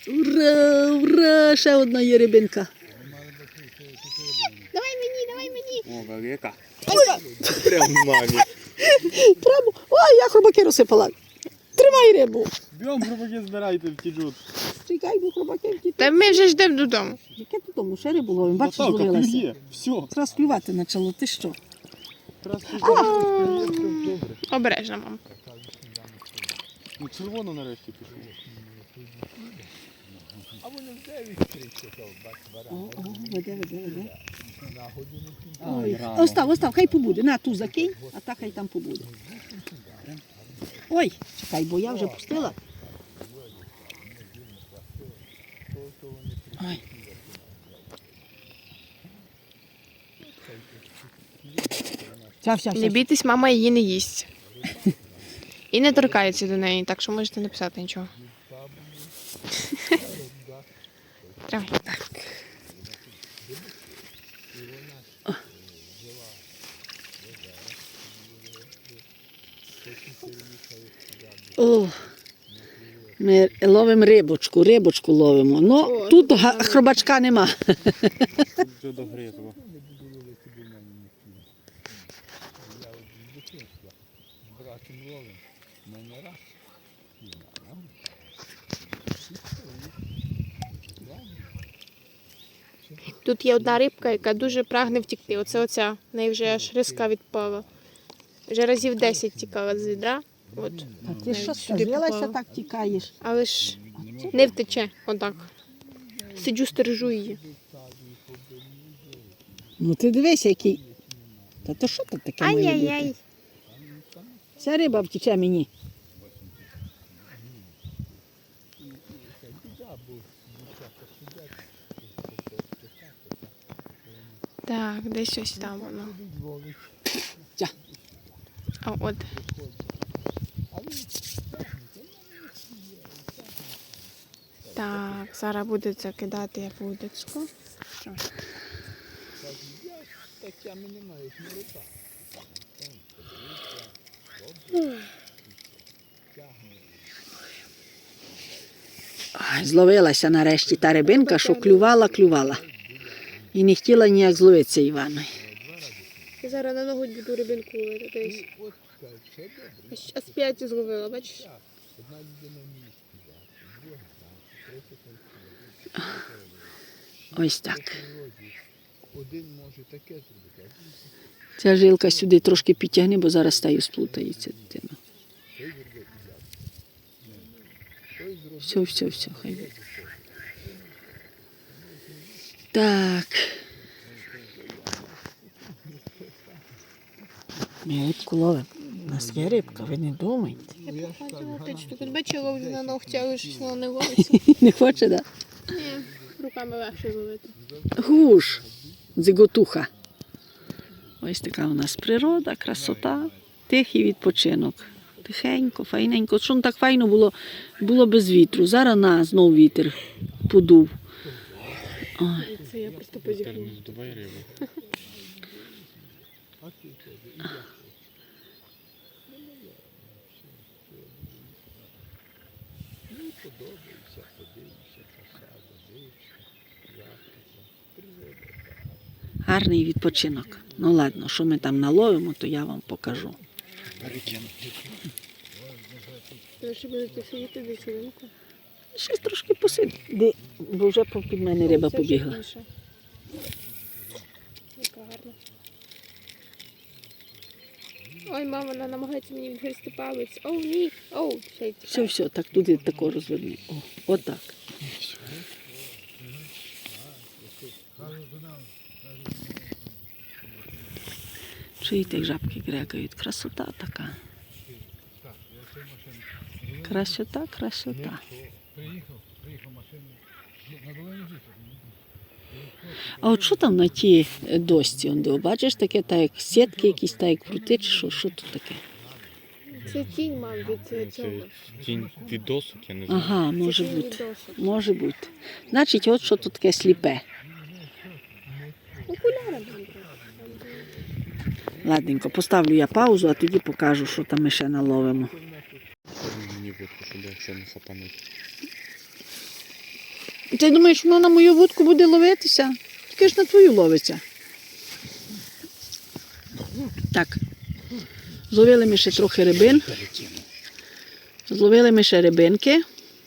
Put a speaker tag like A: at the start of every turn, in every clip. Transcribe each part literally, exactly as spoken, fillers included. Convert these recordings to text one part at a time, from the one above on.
A: Ура, ура, ще одна є рибинка.
B: Давай мені, давай мені.
C: О, велика. Прям мамі.
A: Прямо. Ой, я хробаки розсипала. Тримай рибу.
C: Бьом, хробаки збирайте, втічуть.
A: Чекай, бо хробаки втікли.
B: Та ми вже йдемо додому.
A: Яке додому? Ще рибу ловимо. Бачиш,
C: Наталка,
A: зловилася.
C: клює. Все.
A: Зараз клювати почало. Ти що?
C: Раз клює, добре.
B: Обережно, мам.
C: Ну, червоно нарешті пішло.
A: О, о, веде, веде, веде. Ой, остав, остав, хай побуде. На, ту закинь, а та хай там побуде. Ой, чекай, бо я вже пустила. Ой. Вся, вся,
B: Не
A: вся.
B: бійтесь, мама її не їсть. І не торкається до неї, так що можете не писати нічого. Тримай.
A: О, ми ловимо рибочку, рибочку ловимо. Ну,
B: О,
A: тут га- хробачка нема.
C: Тут вже догризло.
B: Тут є одна рибка, яка дуже прагне втікти. Оце оця. В неї вже аж риска відпала. Вже разів десять тікала з відра. От.
A: А ти що
B: Сюди
A: сказилася,
B: попала.
A: так тікаєш?
B: Але ж не втече. Отак. Сиджу, стережу її.
A: Ну ти дивись, який. Та то що тут таке має бути?
B: Ай-яй-яй.
A: Ця риба втіче мені.
B: Так, десь ось там воно.
A: Ця.
B: А от. Так, зараз буде закидати я вудочку.
A: Ай, зловилася нарешті та рибинка, що клювала, клювала. І не хотіла ніяк зловитися Іваною.
B: Я зараз на ногу буду рибинку ловити десь. Аж- Аж п'ять зловила, бачиш?
A: Ось так. Ця жилка сюди трошки підтягни, бо зараз стаю сплутається дитина. Все, все, все, хай буде. Так. Ми рибку ловимо. У нас є рибка, ви не думайте.
B: Я походила, ти що тут бачила, ловлю на ногті, але ж воно не ловиться.
A: Не хоче, так?
B: Ні, руками легше зловити.
A: Гуш, дзиготуха. Ось така у нас природа, красота, тихий відпочинок. Тихенько, файненько. Що так файно було, було без вітру. Зараз на, знов вітер подув. Ой.
B: Це я просто позіхнула.
C: Здувай рибу.
A: Гарний відпочинок. Ну ладно, що ми там наловимо, то я вам покажу.
C: Перекину.
B: Ви ще будете сидіти десь хвилинку?
A: Щось трошки посиди, бо вже під мене риба
B: Це вже
A: побігла.
B: інше. Яка гарна. Ой, мама, вона намагається мені відгризти палець. Оу, ні. Оу, ще й
A: Все,
B: тікає.
A: все, так туди тако розверни. О, отак. Чуєте, як жабки грекають? Красота така. Красота, красота. А от що там на тій дошці? Он, де, бачиш, таке, так як сітки якісь, так як крути, чи що? Що тут таке?
B: Це тінь, мам, від е, цього.
C: Це тінь від досок, я не знаю.
A: Ага,
B: Це
A: може
B: тінь від
A: бути.
B: досок.
A: Може бути. Значить, от що тут таке сліпе.
B: Окуляри мам.
A: Ладненько, поставлю я паузу, а тоді покажу, що там ми ще наловимо.
C: Мені вудку, щоб я ще не хапануть.
A: Ти думаєш, воно на мою вудку буде ловитися? Тільки ж на твою ловиться. Так. Зловили ми ще трохи рибин. Зловили ми ще рибинки.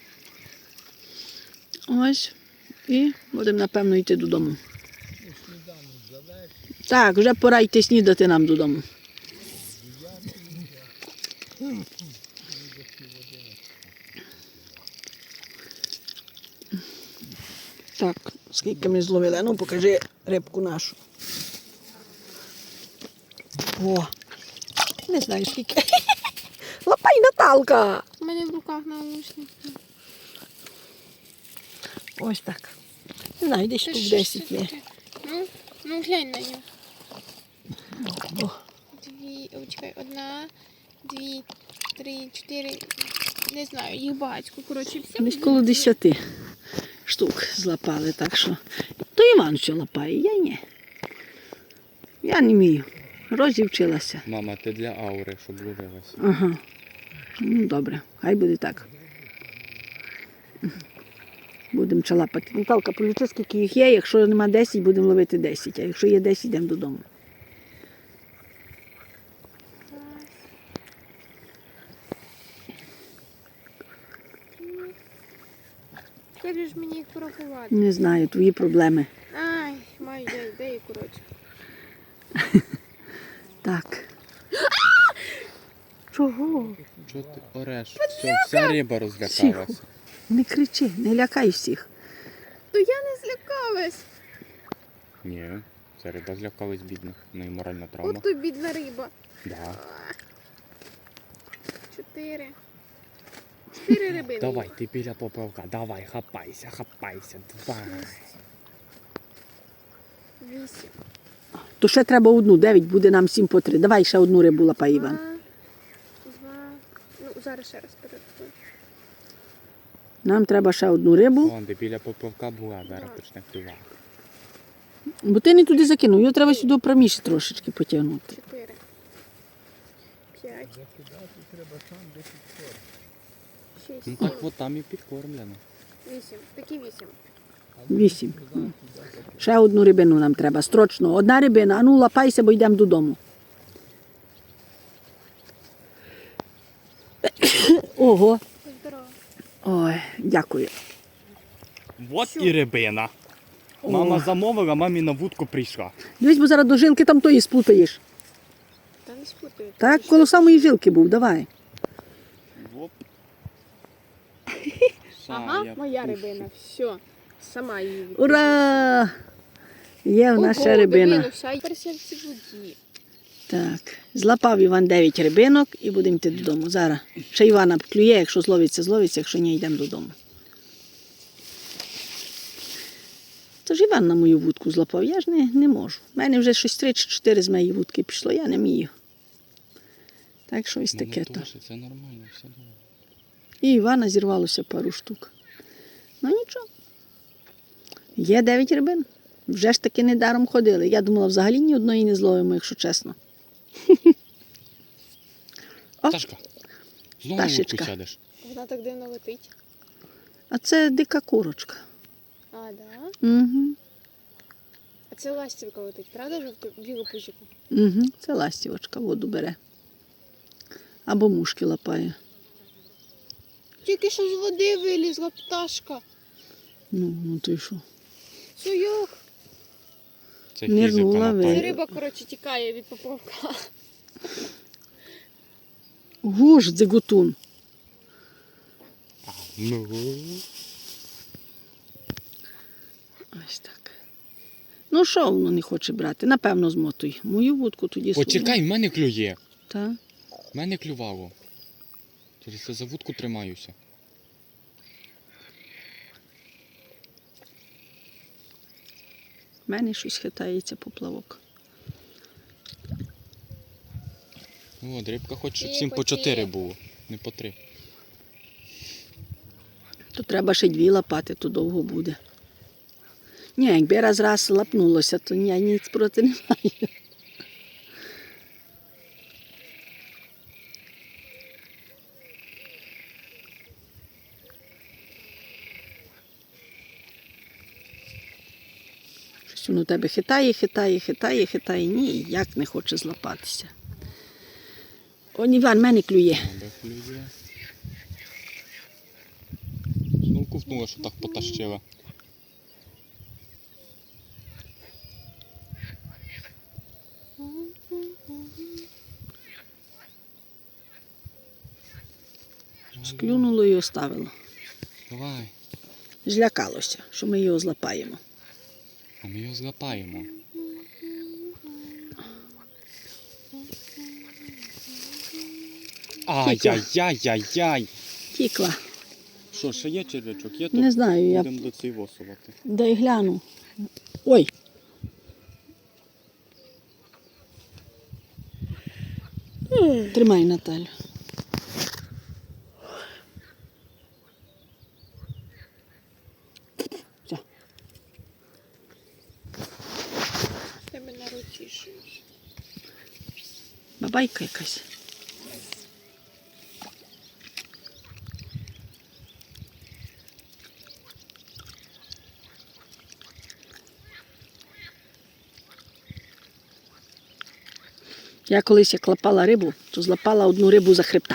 A: Ось. І будемо, напевно, йти додому. Так, вже пора йти снідати нам додому. Так, скільки ми зловили. Ну, покажи рибку нашу. О, не знаю скільки. Лапай, Наталка!
B: У мене в руках наушники.
A: Ось так. Не знаю, десь
B: Це
A: штук
B: що
A: десять
B: це
A: є.
B: таке? Ну, ну глянь на нього.
A: О,
B: Дві, о, чекай, одна, дві, три, чотири, не знаю, їх багатько. Коротше, всі.
A: десь коло десяти штук злапали, так що. То Іван що лапає, я ні. Я не вмію. Розівчилася.
C: Мама, ти для аури, щоб ловилась.
A: Ага. Ну, добре, хай буде так. Будемо чалапати. Наталка, полічи, скільки їх є. Якщо нема десять, будемо ловити десять. А якщо є десять, йдемо додому.
B: Як же ж мені їх порахувати?
A: Не знаю, твої проблеми.
B: Ай, маю де, де і коротше.
A: Так. Чого?
C: Чого ти ореш? Все, вся риба розлякалася.
A: Тихо. Не кричи, не лякай всіх.
B: То я не злякалась.
C: Ні, ця риба злякалась бідна. В неї моральна травма.
B: От то бідна риба.
C: Да.
B: Чотири. Чотири рибини.
C: Давай, ти біля поплавка, давай, хапайся, хапайся, давай.
B: Вісім.
A: То ще треба одну, дев'ять, буде нам сім по три. Давай ще одну рибу лапай, Іван.
B: Два. Два. Ну, зараз ще раз перерахую.
A: Нам треба ще одну рибу,
C: Вон, де біля поплавка була, зараз почне клювати.
A: бо ти не туди закинув, його треба сюди проміж трошечки потягнути.
B: Чотири. П'ять. Шість.
C: Ну
B: Сім.
C: так от там і підкормлено.
B: Вісім. Такі вісім.
A: Вісім. Ще одну рибину нам треба, строчно. Одна рибина, а ну лапайся, бо йдемо додому. Ого.
B: Здорово.
A: Ой, дякую.
C: От і рибина. Мама замовила, мамі на вудку прийшла.
A: Дивись, бо зараз до жилки там тої сплутаєш.
B: Та не спутаю.
A: Так, коло самої жилки був, давай.
C: Оп.
B: Ага,
C: Са, я
B: моя
C: пущу.
B: рибина. Все. Сама її відпущу.
A: Ура! Є в нас ще
B: Ого,
A: рибина.
B: дивилася, а тепер в цій воді.
A: Так, злапав Іван дев'ять рибинок і будемо йти додому. Зараз. Ще Івана клює, якщо зловиться, зловиться, якщо ні, йдемо додому. Тож Іван на мою вудку злапав, я ж не, не можу. У мене вже щось три чи чотири з моєї вудки пішло, я не вмію. Так що ось
C: Ну,
A: таке
C: ну,
A: то.
C: Тоше, це нормально, все добре.
A: І Івана зірвалося пару штук. Ну нічого. Є дев'ять рибин. Вже ж таки недаром ходили. Я думала, взагалі ні одної не зловимо, якщо чесно. О,
C: Ташка, знову на вудку
A: Ташечка.
C: сядеш.
B: Вона так дивно летить.
A: а це дика курочка.
B: А, да?
A: Угу.
B: А це ластівка летить, правда, жовту білу пузику?
A: Угу. Це ластівочка, воду бере. Або мушки лапає.
B: Тільки що з води вилізла пташка.
A: Ну, ну ти що?
B: Суйок.
C: Це
A: Нирнула
C: фізика,
A: ви.
B: Це
C: Наталя.
B: риба, коротше, тікає від поплавка.
A: Гуж, дзигутун.
C: А, ну.
A: Ось так. Ну що воно не хоче брати? Напевно, змотуй. Мою вудку тоді свою.
C: Почекай, в мене клює.
A: Так.
C: В мене клювало. Через це за вудку тримаюся.
A: В мене щось хитається поплавок.
C: От, рибка хоче, щоб
B: І
C: всім по
B: по
C: чотири
B: ті.
C: було. Не по три.
A: То треба ще дві лапати, то довго буде. Ні, якби раз раз лапнулося, то я ніц проти не маю. Щось воно тебе хитає, хитає, хитає, хитає. Ніяк не хоче злапатися. Он Іван, мене клює.
C: Де клює? Знов ковтнула, що так потащила.
A: Склюнуло і оставило.
C: Давай.
A: Злякалося, що ми його злапаємо.
C: А ми його злапаємо. Ай-яй-яй-яй-яй.
A: Тікла.
C: Що, ще є черв'ячок? Є, то
A: Не знаю, я
C: будемо до цей восувати.
A: дай гляну. Ой. Тримай, Наталю. Все.
B: В тебе на руці щось.
A: Бабайка якась. Я колись як лапала рибу, то злапала одну рибу за хребта.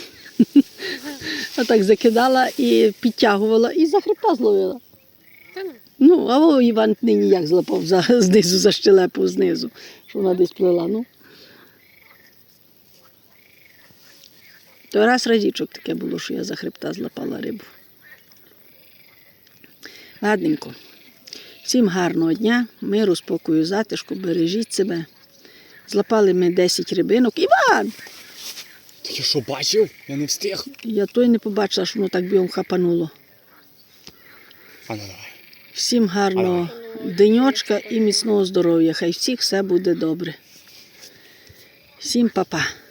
A: Отак закидала і підтягувала, і за хребта зловила.
B: Та ну.
A: Ну, а о, Іван нині як злапав за, знизу, за щелепу знизу, що вона десь плила. Ну. То раз разічок таке було, що я за хребта злапала рибу. Ладненько. Всім гарного дня, миру, спокою, затишку, бережіть себе. Злапали ми десять рибинок. Іван!
C: Ти що, бачив? Я не встиг.
A: Я той не побачила, що воно так бігом хапануло.
C: А ну давай.
A: Всім гарного денечка і міцного здоров'я. Хай всіх все буде добре. Всім па-па.